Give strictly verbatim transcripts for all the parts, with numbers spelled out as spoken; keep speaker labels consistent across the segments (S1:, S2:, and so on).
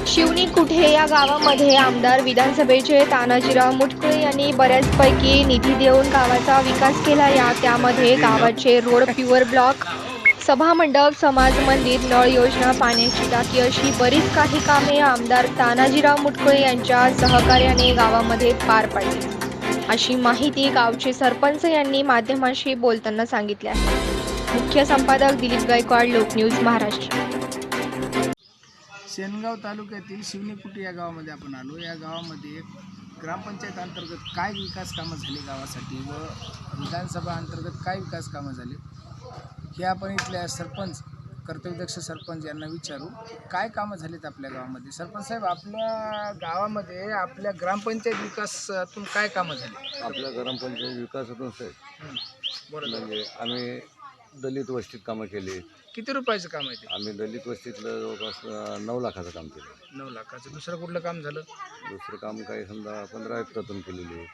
S1: शिवणी कुठे या गावामध्ये आमदार विधानसभेचे तानाजीराव मुटकुळे यांनी बऱ्याचपैकी निधी देऊन गावाचा विकास केला. या त्यामध्ये गावाचे रोड, प्युअर ब्लॉक, सभामंडप, समाज मंदिर, नळ योजना, पाण्याची टाकी अशी बरीच काही कामे आमदार तानाजीराव मुटकुळे यांच्या सहकार्याने गावामध्ये पार पडली, अशी माहिती गावचे सरपंच यांनी माध्यमांशी बोलताना सांगितले आहे. मुख्य संपादक दिलीप गायकवाड, लोकन्यूज महाराष्ट्र.
S2: शेनगाव तालुक्यातील शिवणीकुटी या गावामध्ये आपण आलो. या गावामध्ये ग्रामपंचायत अंतर्गत काय विकास कामं झाली गावासाठी व विधानसभा अंतर्गत काय विकास कामं झाली हे आपण इथल्या सरपंच, कर्तव्यदक्ष सरपंच यांना विचारू की काय कामं झालीत आपल्या गावामध्ये. सरपंच साहेब, आपल्या गावामध्ये आपल्या ग्रामपंचायत विकासातून काय कामं झाली?
S3: आपल्या ग्रामपंचायत विकासातून साहेब
S2: बरोबर.
S3: म्हणजे आम्ही दलित वस्तीत कामं केली.
S2: किती रुपयाचं काम आहे ते?
S3: आम्ही दलित वस्तीतलं जवळपास नऊ लाखाचं काम केलं.
S2: नऊ लाखाचं. दुसरं कुठलं काम झालं?
S3: दुसरं काम काही समजा पंधरा एकरातून केलेली.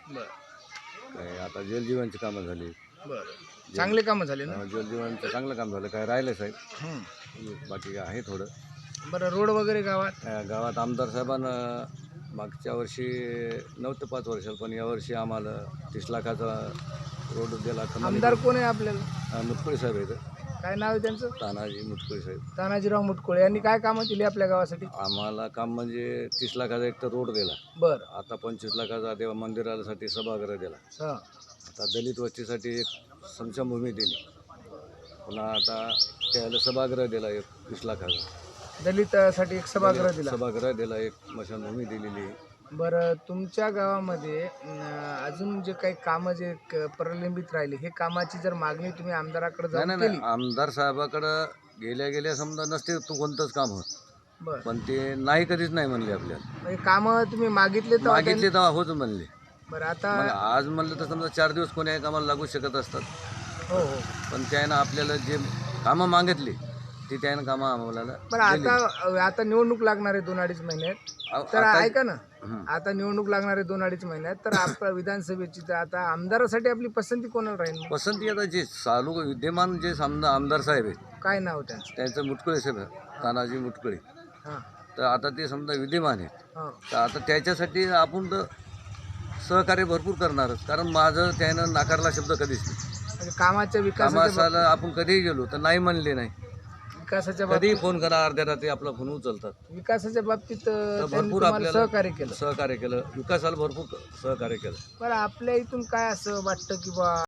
S2: बरं
S3: काही आता जलजीवनची कामं झाली.
S2: बरं, चांगले कामं झाले ना?
S3: अं, जलजीवनचं चांगलं काम झालं. काय राहिलं साहेब,
S2: हं.
S3: बाकी आहे थोडं.
S2: बरं, रोड वगैरे गावात?
S3: अं, गावात आमदार साहेबांना मागच्या वर्षी नऊ ते पाच वर्षाला, पण यावर्षी आम्हाला तीस लाखाचा रोड दिला.
S2: आमदार कोण आहे आपल्याला?
S3: मुटकुळे साहेब आहेत.
S2: काय नाव आहे त्यांचं?
S3: तानाजी मुटकुळे साहेब.
S2: तानाजीराव मुटकुळे यांनी काय कामं केली आपल्या गावासाठी?
S3: आम्हाला काम म्हणजे तीस लाखाचा एक तर रोड दिला.
S2: बरं.
S3: आता पंचवीस लाखाचा देवा मंदिरासाठी सभागृह दिला.
S2: हां.
S3: आता दलित वस्तीसाठी एक समशाभूमी दिली. पुन्हा आता त्याला सभागृह दिला एक वीस लाखाचा.
S2: दलितासाठी एक सभागृह दिला.
S3: सभागृह दिला, एक स्मशानभूमी दिलेली.
S2: बरं, तुमच्या गावामध्ये अं, अजून जे काही कामं जे क- प्रलंबित राहिले, हे कामाची जर मागणी तुम्ही आमदाराकडे
S3: नाही
S2: जाऊन
S3: नाही
S2: केली?
S3: नाही, आमदार साहेबाकडं गेल्या गेल्या समजा नसते तू कोणतंच काम होत,
S2: बरं,
S3: पण ते नाही कधीच नाही म्हणले आपल्याला.
S2: म्हणजे कामं तुम्ही मागितले तर
S3: मागितले तेव्हा होच म्हणले.
S2: बरं, आता
S3: मग आज म्हणलं तर समजा चार दिवस कोणी कामाला लागू शकत असतात,
S2: हो हो.
S3: पण त्यानं आपल्याला जे कामं मागितली ती त्यानं कामं आम्हाला
S2: बरं,
S3: दिली.
S2: आता आता निवडणूक लागणार आहे दोन अडीच महिन्यात.
S3: आ-
S2: तर
S3: आता-
S2: ऐका ना,
S3: हं.
S2: आता निवडणूक लागणार आहे दोन अडीच महिन्यात, तर आपल्या विधानसभेची तर आता आमदारासाठी आपली पसंती कोणाला राहील?
S3: पसंती आता जे चालू विद्यमान जे समजा आमदार साहेब आहेत
S2: काय नाव त्यांचं?
S3: त्यांचं मुटकुळे साहेब आहे, तानाजी मुटकुळे.
S2: हां
S3: तर आता ते समजा विद्यमान आहेत.
S2: हां.
S3: तर आता त्याच्यासाठी आपण तर सहकार्य भरपूर करणारच, कारण माझं त्यानं नाकारला शब्द कधीच नाही.
S2: म्हणजे कामाच्या विकासाच्या
S3: कामाला आपण कधीही गेलो तर नाही म्हणले नाही.
S2: विकासाच्या
S3: कधीही
S2: बाबतीत
S3: फोन करा, अर्ध्या रात्री आपला फोन उचलतात.
S2: विकासाच्या बाबतीत अं,
S3: तर
S2: त्यांनी
S3: भरपूर
S2: तुम्हाला
S3: आपल्याला
S2: सहकार्य केलं.
S3: सहकार्य केलं, विकासाला भरपूर सहकार्य केलं.
S2: बरं, आपल्या इथून काय असं वाटतं की बा